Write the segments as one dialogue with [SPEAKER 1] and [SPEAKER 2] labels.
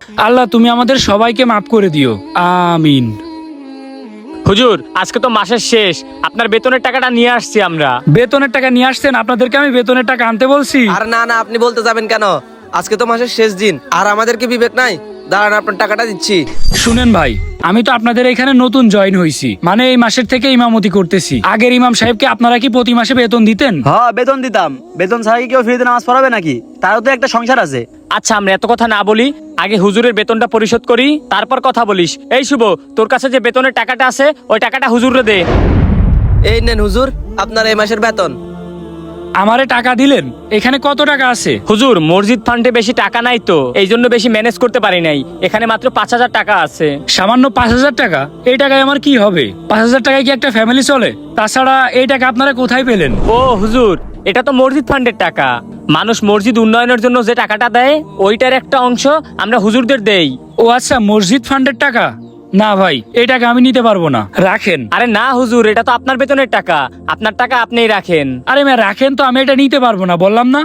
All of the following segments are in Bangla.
[SPEAKER 1] আল্লাহ তুমি আমাদের সবাইকে মাফ করে দিও, আমিন।
[SPEAKER 2] হুজুর, আজকে তো মাসের শেষ, আপনার বেতনের টাকাটা নিয়ে আসছি আমরা।
[SPEAKER 1] বেতনের টাকা নিয়ে আসছেন? আপনাদেরকে আমি বেতনের টাকা আনতে বলছি?
[SPEAKER 3] আর না না, আপনি বলতে যাবেন কেন? আজকে তো মাসের শেষ দিন, আর আমাদের কি বিবেক নাই? দাঁড়ান, আপনার টাকাটা দিচ্ছি।
[SPEAKER 1] শুনেন ভাই, আমি তো আপনাদের এখানে নতুন জয়েন হয়েছি, মানে এই মাসের থেকে ইমামতি করতেছি। আগের ইমাম সাহেবকে আপনারা কি প্রতি মাসে বেতন দিতেন?
[SPEAKER 4] হ্যাঁ, বেতন দিতাম। বেতন ছাড়া কি কেউ ফ্রিতে নামাজ পড়াবে নাকি? তারও তো একটা সংসার আছে।
[SPEAKER 2] আচ্ছা, আমরা এত কথা না বলি, আগে হুজুরের বেতনটা পরিশোধ করি, তারপর কথা বলিস। এই শুভ, তোর কাছে যে বেতনের টাকাটা আছে ওই টাকাটা হুজুরে দে।
[SPEAKER 3] এই নেন হুজুর, আপনার এই মাসের বেতন।
[SPEAKER 1] আমারে টাকা দিলেন? এখানে কত টাকা আছে?
[SPEAKER 2] হুজুর, মসজিদ ফান্ডে বেশি টাকা নাই তো, এই জন্য বেশি ম্যানেজ করতে পারি নাই। এখানে মাত্র 5,000 টাকা আছে।
[SPEAKER 1] সামান্য 5,000 টাকা? এই টাকায় আমার কি হবে? 5,000 টাকায় কি একটা ফ্যামিলি চলে? তাছাড়া এই টাকা আপনারা কোথায় পেলেন?
[SPEAKER 2] ও হুজুর, এটা তো মসজিদ ফান্ডের টাকা। মানুষ মসজিদ উন্নয়নের জন্য যে টাকাটা দেয় ওইটার একটা অংশ আমরা হুজুরদের দেই।
[SPEAKER 1] ও আচ্ছা, মসজিদ ফান্ডের টাকা। না ভাই, এই টাকা আমি নিতে পারবো না, রাখেন।
[SPEAKER 2] আরে না হুজুর, এটা তো আপনার বেতনের টাকা, আপনার টাকা আপনিই রাখেন।
[SPEAKER 1] আরে মেয়ে রাখেন তো, আমি এটা নিতে পারবো না, বললাম না।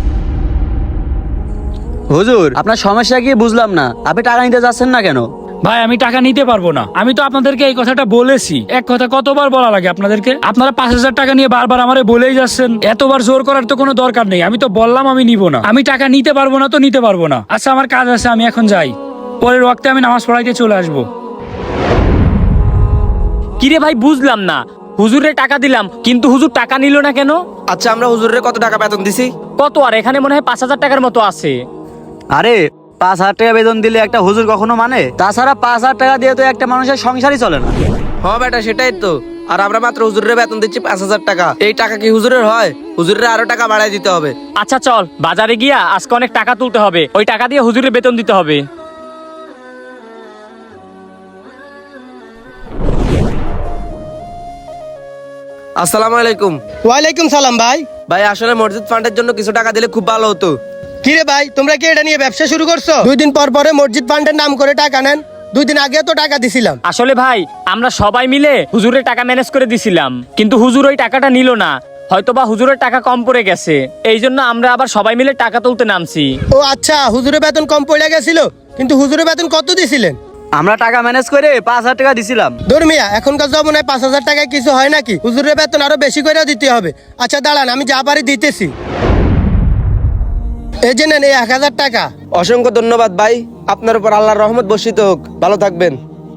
[SPEAKER 4] হুজুর, আপনার সমস্যা কি বুঝলাম না। আপনি টাকা নিতে যাচ্ছেন না কেন?
[SPEAKER 1] ভাই আমি টাকা নিতে পারবো না। আমি তো আপনাদেরকে এই কথাটা বলেছি। এক কথা কতবার বলা লাগে আপনাদেরকে? আপনারা 5,000 টাকা নিয়ে বারবার আমারে বলেই যাচ্ছেন। এতবার জোর করার তো কোনো দরকার নেই। আমি তো বললাম আমি নিব না। আমি টাকা নিতে পারবো না তো নিতে পারবো না। আচ্ছা, আমার কাজ আছে, আমি এখন যাই। পরের ওয়াক্তে আমি নামাজ পড়াইতে চলে আসবো।
[SPEAKER 2] কিরে ভাই, বুঝলাম না। হুজুরের টাকা দিলাম কিন্তু হুজুর টাকা নিল না কেন?
[SPEAKER 3] আচ্ছা, আমরা হুজুরের কত টাকা বেতন দিছি?
[SPEAKER 2] কত আর, এখানে মনে হয় 5,000 টাকার মতো আছে।
[SPEAKER 4] আরে 5,000 টাকা বেতন দিলে একটা হুজুর কখনো মানে? তাছাড়া 5,000 টাকা দিয়ে তো একটা মানুষের সংসারই চলে না।
[SPEAKER 3] হ্যাঁ বেটা, সেটাই তো। আর আমরা মাত্র হুজুরের বেতন দিচ্ছি 5,000 টাকা। এই টাকা কি হুজুরের হয়? হুজুরের আরো টাকা বাড়াই দিতে হবে।
[SPEAKER 2] আচ্ছা চল, বাজারে গিয়া আজকে অনেক টাকা তুলতে হবে, ওই টাকা দিয়ে হুজুরের বেতন দিতে হবে।
[SPEAKER 3] আসসালামু আলাইকুম।
[SPEAKER 5] ওয়ালাইকুম সালাম ভাই।
[SPEAKER 3] ভাই আসলে মসজিদ ফান্ডের জন্য কিছু টাকা দিলে খুব ভালো হতো।
[SPEAKER 5] কিরে ভাই, তোমরা কি এটা নিয়ে ব্যবসা শুরু করছো? 2 দিন পর পরে মসজিদ ফান্ডের নাম করে টাকা নেন। 2 দিন আগে তো টাকা দিছিলাম।
[SPEAKER 2] আসলে ভাই, আমরা সবাই মিলে হুজুরের টাকা ম্যানেজ করে দিছিলাম, কিন্তু হুজুর ওই টাকাটা নিল না। হয়তোবা হুজুরের টাকা কম পড়ে গেছে, এই জন্য আমরা আবার সবাই মিলে টাকা তুলতে নামছি।
[SPEAKER 5] ও আচ্ছা, হুজুরের বেতন কম পড়ে গেছিল, কিন্তু হুজুরের বেতন কত দিছিলেন?
[SPEAKER 4] আমরা টাকা ম্যানেজ করে 5,000 টাকা দিছিলাম।
[SPEAKER 5] ধর্মিয়া, এখনকার জমানায় 5,000 টাকায় কিছু হয় নাকি? হুজুরের বেতন আরো বেশি করে দিতে হবে। আচ্ছা দাঁড়ান, আমি যা পারি দিতেছি। এই যে নেন, এই 1,000 টাকা।
[SPEAKER 3] অসংখ্য ধন্যবাদ ভাই, আপনার উপর আল্লাহর রহমত বর্ষিত হোক। ভালো থাকবেন।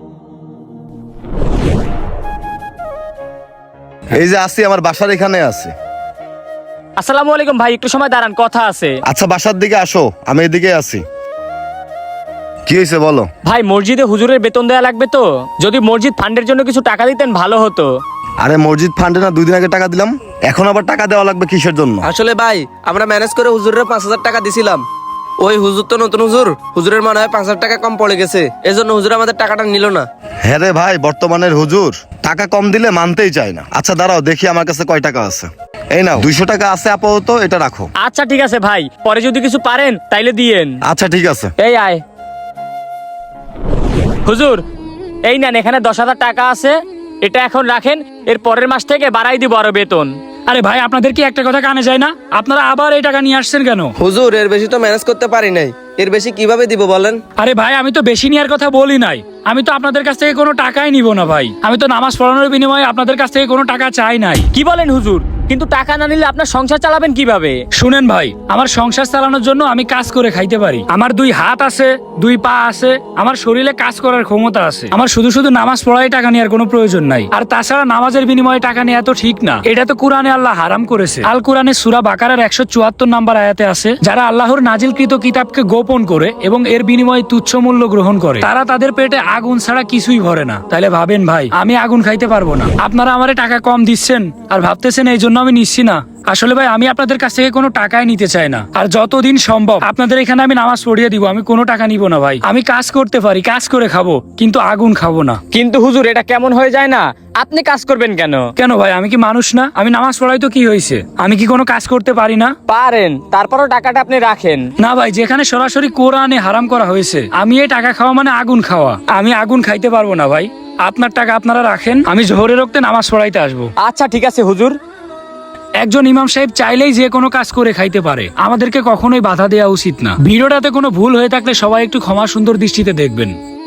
[SPEAKER 6] এই যে আসি, আমার বাসার এখানে আছে।
[SPEAKER 2] আসসালামু আলাইকুম ভাই, একটু সময় দাঁড়ান, কথা আছে।
[SPEAKER 6] আচ্ছা, বাসার দিকে আসো, আমি এদিকে আছি। কি হয়েছে বলো?
[SPEAKER 2] ভাই, মসজিদে হুজুরের বেতন দেওয়া লাগবে তো, যদি মসজিদ ফান্ডের জন্য কিছু টাকা দিতেন ভালো হতো।
[SPEAKER 6] আরে মসজিদ ফান্ডে না 2 দিন আগে টাকা দিলাম, এখন আবার টাকা দেওয়া লাগবে কিসের জন্য?
[SPEAKER 3] আসলে ভাই, আমরা ম্যানেজ করে হুজুরের 5,000 টাকা দিছিলাম। ওই হুজুর তো নতুন হুজুর, হুজুরের মনে হয় 5,000 টাকা কম পড়ে গেছে, এজন্য হুজুর আমাদের টাকাটা নিল না।
[SPEAKER 6] হ্যাঁ রে ভাই, বর্তমানের হুজুর টাকা কম দিলে মানতেই চায় না। আচ্ছা দাঁড়াও, দেখি আমার কাছে কয় টাকা আছে। এই নাও 200 টাকা আছে আপাতত, এটা রাখো।
[SPEAKER 2] আচ্ছা ঠিক আছে ভাই, পরে যদি কিছু পারেন তাইলে দিয়েন।
[SPEAKER 6] আচ্ছা ঠিক আছে।
[SPEAKER 2] এই আয় হুজুর, এই নেন, এখানে 10,000 টাকা আছে, এটা এখন রাখেন, এর পরের মাস থেকে বাড়াই দিব আরো বেতন।
[SPEAKER 1] আরে ভাই, আপনাদের কি একটা কথা কানে যায় না? আপনারা আবার এই টাকা নিয়ে আসছেন কেন?
[SPEAKER 3] হুজুর, এর বেশি তো ম্যানেজ করতে পারি নাই, এর বেশি কিভাবে দিব বলেন?
[SPEAKER 1] আরে ভাই, আমি তো বেশি নেওয়ার কথা বলি নাই। আমি তো আপনাদের কাছ থেকে কোনো টাকাই নিব না ভাই। আমি তো নামাজ পড়ানোর বিনিময়ে আপনাদের কাছ থেকে কোনো টাকা চাই নাই।
[SPEAKER 2] কি বলেন হুজুর? কিন্তু টাকা না নিলে আপনার সংসার চালাবেন কিভাবে?
[SPEAKER 1] শুনেন ভাই, আমার সংসার চালানোর জন্য আমি কাজ করে খাইতে পারি। আমার 2 হাত আছে, 2 পা আছে, আমার শরীরে কাজ করার ক্ষমতা আছে। আমার শুধু শুধু নামাজ পড়াই টাকা নেওয়ার কোনো প্রয়োজন নাই। আর তাছাড়া নামাজের বিনিময়ে টাকা নেওয়া তো ঠিক না। এটা তো কোরআনে আল্লাহ হারাম করেছে। আল কোরআনে সূরা বাকারার 174 নম্বর আয়াতে আছে, যারা আল্লাহর নাজিলকৃত কিতাবকে গোপন করে এবং এর বিনিময়ে তুচ্ছ মূল্য গ্রহণ করে, তারা তাদের পেটে আগুন ছাড়া কিছুই ভরে না। তাইলে ভাবেন ভাই, আমি আগুন খাইতে পারবো না। আপনারা আমারে টাকা কম দিচ্ছেন আর ভাবতেছেন এই জন্য আমি নিচ্ছি না। আসলে ভাই, আমি আপনাদের কাছ থেকে কোনো টাকাই নিতে চাই না। আর যতদিন সম্ভব আপনাদের এখানে আমি নামাজ পড়িয়ে দিব, আমি কোনো টাকা নিব না ভাই। আমি কাজ করতে পারি, কাজ করে খাবো, কিন্তু আগুন খাবো না।
[SPEAKER 2] কিন্তু হুজুর, এটা কেমন হয়ে যায় না? আপনি কাজ করবেন কেন?
[SPEAKER 1] কেন ভাই, আমি কি মানুষ না? আমি নামাজ পড়াই তো কি হয়েছে? আমি কি কোনো কাজ করতে পারি না?
[SPEAKER 2] পারেন, তারপরও টাকাটা আপনি রাখেন।
[SPEAKER 1] না ভাই, যেখানে সরাসরি কোরআনে হারাম করা হয়েছে, আমি এই টাকা খাওয়া মানে আগুন খাওয়া। আমি আগুন খাইতে পারবো না ভাই। আপনার টাকা আপনারা রাখেন, আমি জোহরের রক্তে নামাজ পড়াইতে আসবো।
[SPEAKER 2] আচ্ছা ঠিক আছে হুজুর।
[SPEAKER 1] একজন ইমাম সাহেব চাইলেই যে কোনো কাজ করে খাইতে পারে, আমাদেরকে কখনোই বাধা দেওয়া উচিত না। ভিডিওটাতে কোনো ভুল হয়ে থাকলে সবাই একটু ক্ষমা সুন্দর দৃষ্টিতে দেখবেন।